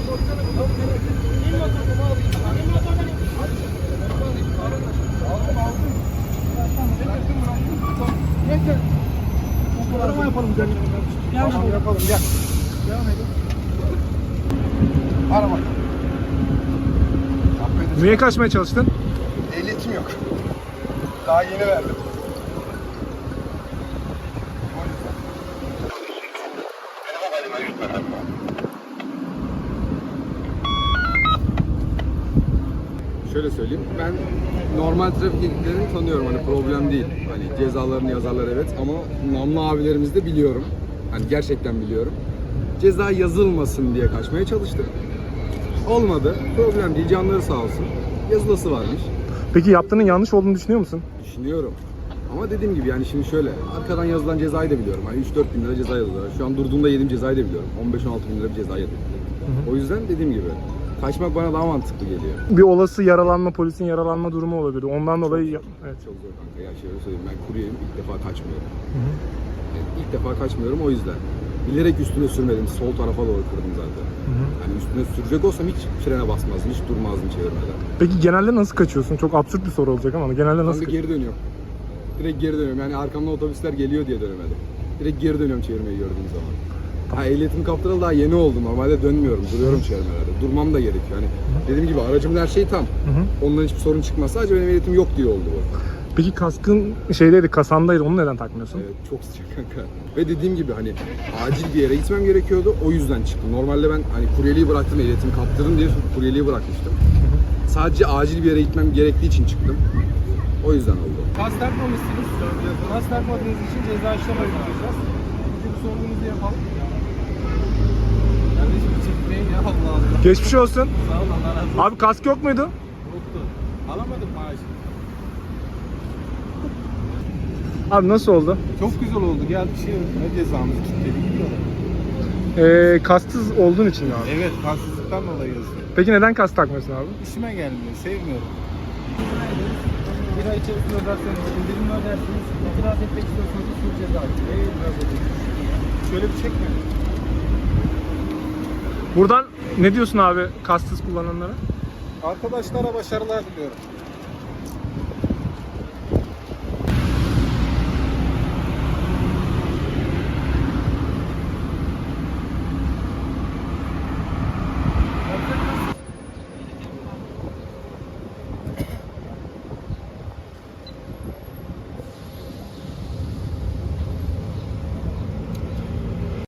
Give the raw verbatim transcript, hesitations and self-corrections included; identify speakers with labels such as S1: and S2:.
S1: Arama yapalım gel. Tamam yapalım gel. Devam edin. Arama.
S2: Niye kaçmaya çalıştın?
S1: Ehliyetim yok. Daha yeni verdim.
S3: Şöyle söyleyeyim, ben normal trafik ekiplerini tanıyorum, hani problem değil. Hani cezalarını yazarlar evet ama namlı abilerimizi de biliyorum. Hani gerçekten biliyorum. Ceza yazılmasın diye kaçmaya çalıştım. Olmadı, problem değil, canları sağ olsun. Yazılısı varmış.
S2: Peki yaptığının yanlış olduğunu düşünüyor musun?
S3: Düşünüyorum. Ama dediğim gibi yani şimdi şöyle, arkadan yazılan cezayı da biliyorum. Hani üç dört bin lira ceza yazıyorlar. Şu an durduğumda yediğim cezayı da biliyorum. on beş on altı bin lira bir ceza yedim. O yüzden dediğim gibi kaçmak bana daha mantıklı geliyor.
S2: Bir olası yaralanma, polisin yaralanma durumu olabilir. Ondan dolayı
S3: zor.
S2: yap- evet.
S3: Çok zor kanka. Ya şöyle söyleyeyim, ben kuryeyim, ilk defa kaçmıyorum. Yani ilk defa kaçmıyorum o yüzden. Bilerek üstüne sürmedim. Sol tarafa doğru kırdım zaten.
S2: Hı hı.
S3: Hani üstüne sürecek olsam hiç frene basmazdım, hiç durmazdım çevirmeden.
S2: Peki genelde nasıl kaçıyorsun? Çok absürt bir soru olacak ama genelde nasıl
S3: Kanka geri dönüyorum. Direkt geri dönüyorum. Yani arkamdan otobüsler geliyor diye dönemedim. Direkt geri dönüyorum çevirmeyi gördüğüm zaman. Ha, ehliyetim kaptıralı daha yeni oldu. Normalde dönmüyorum. Duruyorum çevirmelerde. Durmam da gerekiyor. Hani dediğim gibi aracımın her şeyi tam.
S2: Hı hı.
S3: Ondan hiçbir sorun çıkmaz. Sadece benim ehliyetim yok diye oldu bu.
S2: Peki kaskın şeydeydi, kasandaydı. Onu neden takmıyorsun?
S3: Evet, çok sıcak kanka. Ve dediğim gibi hani acil bir yere gitmem gerekiyordu. O yüzden çıktım. Normalde ben hani kuryeliği bıraktım, ehliyetimi kaptırdım diye kuryeliği bırakmıştım. Sadece acil bir yere gitmem gerektiği için çıktım. O yüzden oldu.
S1: Kas takmamışsınız. Kas takmadığınız için ceza işlem uygulayacağız. Bizim sorduğumuzu yapalım. Kardeşim çekmeyin ya Allah Allah.
S2: Geçmiş olsun.
S1: Sağ ol Allah razı olsun.
S2: Abi kask yok muydu?
S1: Yoktu. Alamadım maaşı.
S2: Abi nasıl oldu?
S1: Çok güzel oldu. Geldi şey ne cezamızı kilitledik gidiyorlar.
S2: Ee, kasksız olduğun için mi abi?
S1: Evet, kansızlıktan dolayı yazıyor.
S2: Peki neden kask takmıyorsun abi?
S1: İşime gelmiyor, sevmiyorum. Bir ay içerisinde öderseniz, indirimli ödersiniz. İtiraz etmek istiyorsanız şu ceza. Neyi itiraz ediyorsunuz? Şöyle bir çekme.
S2: Buradan ne diyorsun abi kasksız kullananlara?
S1: Arkadaşlara başarılar diliyorum.